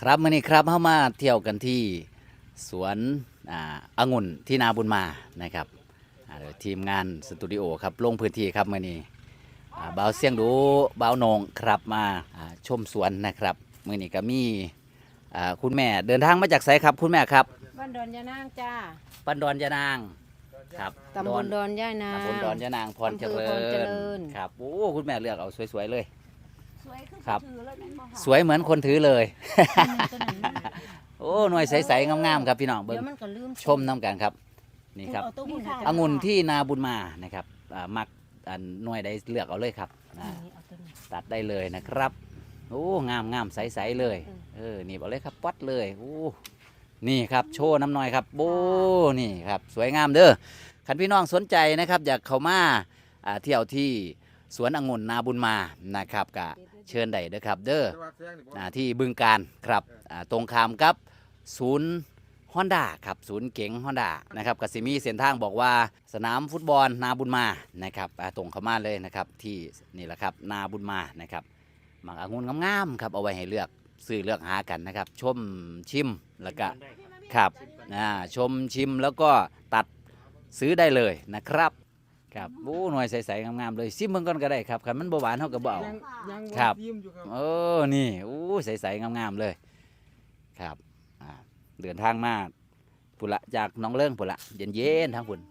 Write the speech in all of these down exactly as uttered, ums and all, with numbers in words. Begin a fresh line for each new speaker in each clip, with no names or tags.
ครับมื่อนี้ครับเข้ามาเที่ยวกันที่สวนอ่าองุ่นที่นาบุญมานะครับอ่าทีมงานสตูดิโอครับลงพื้นที่ครับมื่อนี้อ่าบ่าวเสียงดูบ่าวโหนงครับมาอ่าชมสวนนะครับมื่อนี้ก็มีอ่าคุณแม่เดินทางมาจากไสครับคุณแม่ครับ
บ้านดอนยานางจ้า
ปันดอนยานางครับ
ตำบลดอนย่านาง
ตำบลดอนยานางพรเจริ
อำเภอพรเจริ
ญ
ญ
ครับโอ้คุณแม่เลือกเอาสวยๆเลย
สวยคือ
ครับ
ถือเลยแม่นบ่ค่ะ
สวยเหมือนคนถือเลย
ตัวนั้นน่ะ
โอ้หน่วยใสๆงามๆครับพี่น้องเบิ้
เดี๋
ง
ยวมันก็ลืม
ชมน้ำกันครับนี่ครับ
เอาตัวหุ่นให้
องุ่นที่นาบุญมานะครับอ่ามักอันหน่วยใดเลือกเอาเลยครับอ่า
นี่เอาตัวนี้
ตัดได้เลยนะครับโอ้งามงามใสๆเลย
อืม
เออนี่เอาเลยครับปัดเลยโอ้นี่ครับโชว์น้ำหน่อยครับโอ้นี่ครับสวยงามเด้อคันพี่น้องสนใจนะครับอยากเข้ามาอ่าเที่ยวที่สวนองุ่นนาบุญมานะครับก็เชิญได้เด้อครับเด้ออ่าที่บึงการครับอ่าตรงข้ามกับศูนย์ฮอนด้าครับศูนย์เก๋งฮอนด้านะครับกสิมีเส้นทางบอกว่าสนามฟุตบอลนาบุญมานะครับอ่าตรงเข้ามาเลยนะครับที่นี่แหละครับนาบุญมานะครับหมักองุ่นงามๆครับเอาไว้ให้เลือกซื้อเลือกหากันนะครับชมชิมแล้วก็ครับอ่าชมชิมแล้วก็ตัดซื้อได้เลยนะครับครับโอ้หน่วยใสๆงามๆเลยซิมเบิ่งก่อนก็ได้ครับคันมันบ่หวานเฮาก็บ่เอา
ยังยัง
ครับ
ยิ้มอยู่ครับ
เออ นี่อู้ใสๆงามๆเลย ครับอ่าเดินทางมาพุ่นละจากหน้องเลิ่งพุ่นละเย็นๆทางพุ่น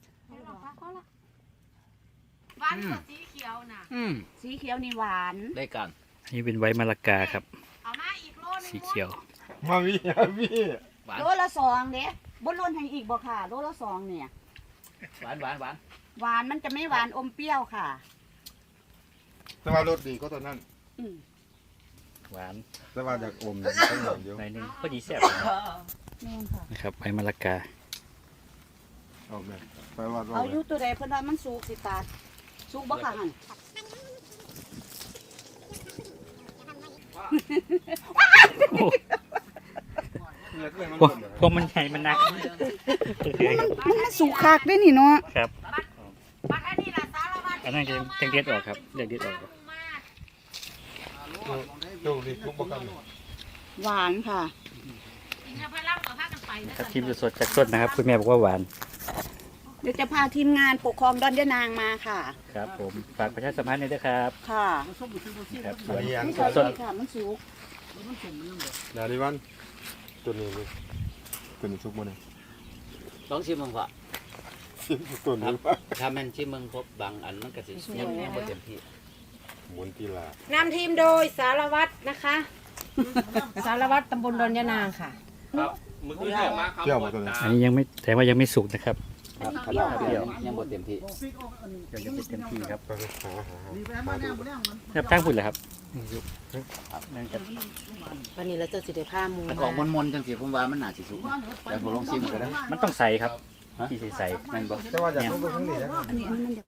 หวานกว่าสีเขียวน่ะ
อืม
สีเขียวนี่หวาน
ได้กัน
นี่เป็นไว้มะละกาครับ
เอามาอีกโลนึง
สีเขียว
มาพี่มาพี่
หวาน
โลละสองเด้บนล้นให้อีกบ่ค่ะโลละสองเนี่ย
หวานหวานหวาน
หวานมันจะไม่หวานอมเปรี้ยวค่ะ
แต่ว่ารสดีก็ตอนนั้น
อืม
หวาน
แต่ว่าอยากอมเนี่ยต้องหวานเดียว
หน่อยหนึงพอดีแซ่บ
แม่นค่ะ
นะครับไว้มะละกา
เอาแม่ไปวัดว่า
เอาอยู่ตัวใดเพิ่นว่ามันสุกสิตาดสุกบ่ค่ะหั่น
พวกพวกมันใหญ่มันหนัก
มันสุกคักได้นี่เนาะ
ครับ
บักอันนี้ล่ะสารวัตร
อันนั้นจะจังเด็ดออกครับเด็ดเด็ดออก
ดูดิทุกประกัน
หวานค่ะ
อินทผลัมก็พากันไปนะครับ
ทีมสดๆจากต้นนะครับคุณแม่บอกว่าหวาน
เดี๋ยวจะพาทีมงานปกครองดอนยะนางมาค่ะ
ครับผมฝากประชาสัมพันธ์หน่อยด้วยครับ
ค่ะ
ครับส
อั
วน
นนี้ยัง
มัน
ส
สุ
ด
กค่ะมันสุก
นาดิวันตัวนี้นี่ตัวนี้ทุกมันเลย
ลองชิมมึงพอ
ตัวนี้
ถ้าแม่นชิมมึงพบบางอันมันก็สิยังยังบ่เต็มที่
หมุนตีลาน
ำทีมโดยสารวัตรนะคะ สารวัตรตำบลดอนยานางค่ะ
เที่ยวมาตัวนี้
อันนี้ยังไม่แต่ว่ายังไม่สุกนะครับ
ครับขนาดเปรี้ยวยังบ่เต็มที่
เดี๋ยวยังไม่เต็มที่ครับ
ไปหาหาหาหาดู
ครับตั้งพุ่นเลยครับนั่นครับ
วันนี้เราจะสิได้ผ้ามู
มันออกมนๆจังสิผมว่ามันน่าสิสุกแต่ผมลองชิมก็ได้
มันต้องใส่ครับที่ใส่
แม่นบ่
แต่ว่าอยากรู้ไปข้างนี้นะครับ
อันนี้อันนี้มันจะ